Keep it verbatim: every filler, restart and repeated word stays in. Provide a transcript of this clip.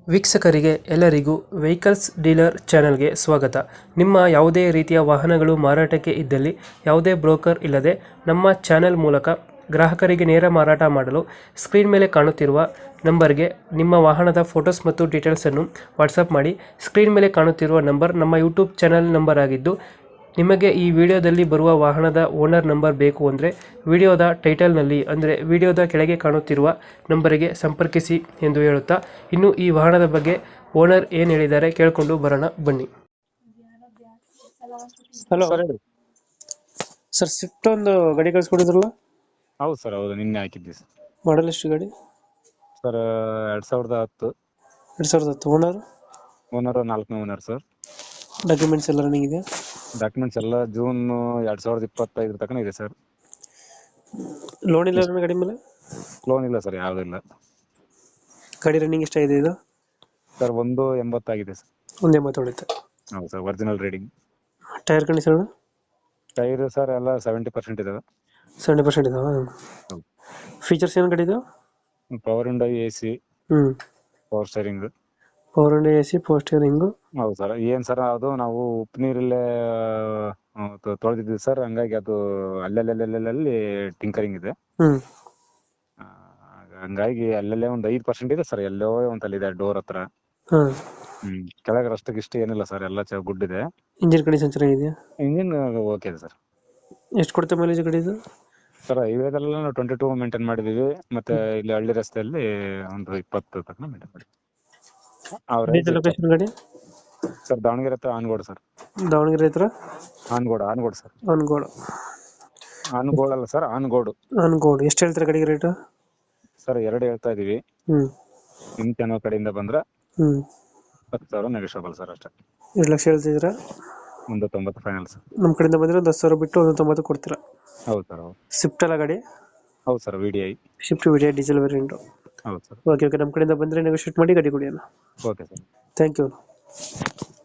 ವೀಕ್ಷಕರಿಗೆ ಎಲ್ಲರಿಗೂ vehicles dealer ಚಾನೆಲ್ಗೆ ಸ್ವಾಗತ. ನಿಮ್ಮ ಯಾವುದೇ ರೀತಿಯ ವಾಹನಗಳು ಮಾರಾಟಕ್ಕೆ ಇದ್ದಲ್ಲಿ ಯಾವುದೇ ಬ್ರೋಕರ್ ಇಲ್ಲದೆ ನಮ್ಮ ಚಾನೆಲ್ ಮೂಲಕ ಗ್ರಾಹಕರಿಗೆ ನೇರ ಮಾರಾಟ ಮಾಡಲು ಸ್ಕ್ರೀನ್ ಮೇಲೆ ಕಾಣುತ್ತಿರುವ ನಂಬರ್ಗೆ ನಿಮ್ಮ ವಾಹನದ ಫೋಟೋಸ್ ಮತ್ತು ಡೀಟೇಲ್ಸನ್ನು ವಾಟ್ಸಪ್ ಮಾಡಿ. ಸ್ಕ್ರೀನ್ ಮೇಲೆ ಕಾಣುತ್ತಿರುವ ನಂಬರ್ ನಮ್ಮ ಯೂಟ್ಯೂಬ್ ಚಾನೆಲ್ ನಂಬರ್ ಆಗಿದ್ದು, ನಿಮಗೆ ಈ ವಿಡಿಯೋದಲ್ಲಿ ಬರುವ ವಾಹನದ ಓನರ್ ನಂಬರ್ ಬೇಕು ಅಂದರೆ ವಿಡಿಯೋದ ಟೈಟಲ್ನಲ್ಲಿ ಅಂದರೆ ವಿಡಿಯೋದ ಕೆಳಗೆ ಕಾಣುತ್ತಿರುವ ನಂಬರಿಗೆ ಸಂಪರ್ಕಿಸಿ ಎಂದು ಹೇಳುತ್ತಾ, ಇನ್ನು ಈ ವಾಹನದ ಬಗ್ಗೆ ಓನರ್ ಏನು ಹೇಳಿದ್ದಾರೆ ಕೇಳಿಕೊಂಡು ಬರೋಣ ಬನ್ನಿ. ಹಲೋ ಸರ್ ಹೇಳಿ. ಸರ್, ಸ್ವಿಫ್ಟ್ ಒಂದು ಗಾಡಿ ಕಳಿಸ್ಕೊಡಿದ್ರಲ್ಲ, ಹೌದು ಸರ್, ಹೌದು, ನಿನ್ನೆ ಹಾಕಿದ್ವಿ ಸರ್. ಮಾಡಲ್ ಎಷ್ಟು ಗಾಡಿ? ಸರ್ ಎರಡ್ ಸಾವಿರದ ಹತ್ತು ಎರಡು ಸಾವಿರದ ಹತ್ತು. ಓನರ್ ಓನರ್ ನಾಲ್ಕನೇ ಓನರ್ ಸರ್. ಡಾಕ್ಯುಮೆಂಟ್ಸ್ ಎಲ್ಲ ರನ್ನಿಂಗ್ ಇದೆ? ಡಾಕ್ಯುಮೆಂಟ್ಸ್ ಎಲ್ಲ ಜೂನ್ ಎರಡ್ ಸಾವಿರದ ಇಪ್ಪತ್ತೈದರ ತನಕ ಇದೆ ಸರ್. ಲೋನ್ ಇಲ್ಲ ನನ್ನ ಗಾಡಿ ಮೇಲೆ? ಲೋನ್ ಇಲ್ಲ ಸರ್, ಯಾವುದಿಲ್ಲ. ಗಾಡಿ ರನ್ನಿಂಗ್ ಎಷ್ಟಾಗಿದೆ ಇದು? ಸರ್ ಒಂದು ಎಂಬತ್ತಾಗಿದೆ ಸರ್. ಒಂದು ಎಂಬತ್ತು ಹೊಡಿತೆ. ಹೌದು sir, original reading. Tyre condition? Tyre sir ಎಲ್ಲ ಸೆವೆಂಟಿ ಪರ್ಸೆಂಟ್ ಇದಾವೆ. ಸೆವೆಂಟಿ ಪರ್ಸೆಂಟ್ ಇದಾವ. ಹೌದು. ಫೀಚರ್ಸ್ ಏನು ಗಾಡಿ ಇದು? ಪವರ್ ವಿಂಡೋ, ಎ ಸಿ, ಹ್ಞೂ power steering. Power window, A C, power steering. ಹೌದು ಸರ್. ಏನ್ ಸರ್, ಅದು ನಾವು ಉಪ್ಪು ನೀರಲ್ಲೇ ತೊಳೆದಿದ್ವಿ ಸರ್, ಹಂಗಾಗಿ ಅದು ಅಲ್ಲಲ್ಲಲ್ಲಿ ಟಿಂಕರಿಂಗ್ ಇದೆ. ಹ್ಞೂ ಆ, ಹಂಗಾಗಿ ಅಲ್ಲಲ್ಲೇ ಒಂದ್ ಐದ್ ಪರ್ಸೆಂಟ್ ಇದೆ ಸರ್, ಎಲ್ಲೋ ಒಂತಲ್ಲಿದೆ ಡೋರ್ ಹತ್ರ. ಹಾಂ. ಹ್ಮ್ ಕೆಳಗೆ ಅಷ್ಟಕ್ಕೆ ಇಷ್ಟ ಏನಿಲ್ಲ ಸರ್, ಎಲ್ಲ ಚ ಗುಡ್ ಇದೆ. ಇಂಜಿನ್ ಕಂಡೀಷನ್ ಚೆನ್ನಾಗಿದೆಯಾ? ಇಂಜಿನ್ ಓಕೆ ಇದೆ ಸರ್. ಎಷ್ಟು ಕೊಡುತ್ತೆ ಮೈಲೇಜ್ ಗಾಡಿ ಇದು? ಸರ್ ಹೈವೇದೆಲ್ಲ ನಾವು ಟ್ವೆಂಟಿ ಟೂ ಮೇಂಟೈನ್ ಮಾಡಿದೀವಿ, ಮತ್ತೆ ಇಲ್ಲಿ ಹಳ್ಳಿ ರಸ್ತೆಯಲ್ಲಿ ಒಂದು ಇಪ್ಪತ್ತು ತನಕ ಮೇಂಟೈನ್ ಮಾಡಿದ್ವಿ. ಡೀಟೇಲ್ ಲೊಕೇಶನ್ ಗಾಡಿ? ಸರ್ ದಾವಣಗೆರೆ ಹತ್ರ ಆನಗೋಡು ಸರ್. ದಾವಣಗೆರೆ ಹತ್ರ ಆನಗೋಡು ಆನಗೋಡು ಸರ್. ಅನ್ಗೋಡು. ಆನಗೋಡು ಅಲ್ಲ ಸರ್, ಆನಗೋಡು. ಅನ್ಗೋಡು. ಎಷ್ಟು ಹೇಳ್ತಾರೆ ಗಾಡಿಗೆ ರೇಟು? ಸರ್ ಎರಡು ಹೇಳ್ತಾ ಇದೀವಿ. ಹ್ಞೂ ನಿಮ್ ಚಾನಲ್ ಕಡೆಯಿಂದ ಬಂದ್ರೆ ಹ್ಞೂ ಹತ್ತು ಸಾವಿರ ನೆಗೋಷಿಯಬಲ್ ಸರ್, ಅಷ್ಟೇ. ಎರಡು ಲಕ್ಷ ಹೇಳ್ತಿದ್ದೀರಾ? ಒಂದು ತೊಂಬತ್ತು ಫೈನಲ್ ಸರ್. ನಮ್ಮ ಕಡೆಯಿಂದ ಬಂದರೆ ಒಂದು ಹತ್ತು ಸಾವಿರ ಬಿಟ್ಟು ಒಂದು ತೊಂಬತ್ತು ಕೊಡ್ತೀರಾ? ಹೌದು ಸರ್, ಹೌದು. ಸ್ವಿಫ್ಟ್ ಅಲ್ಲ ಗಾಡಿ? ಹೌದು sir, V D I. Swift V D I diesel variant. ಹೌದು ಸರ್. ಓಕೆ ಓಕೆ ನಮ್ಮ ಕಡೆಯಿಂದ ಬಂದರೆ ನೆಗೋಷಿಯೇಟ್ ಮಾಡಿ ಗಾಡಿ ಕೊಡಿ ಅಣ್ಣ. Okay sir. Thank you.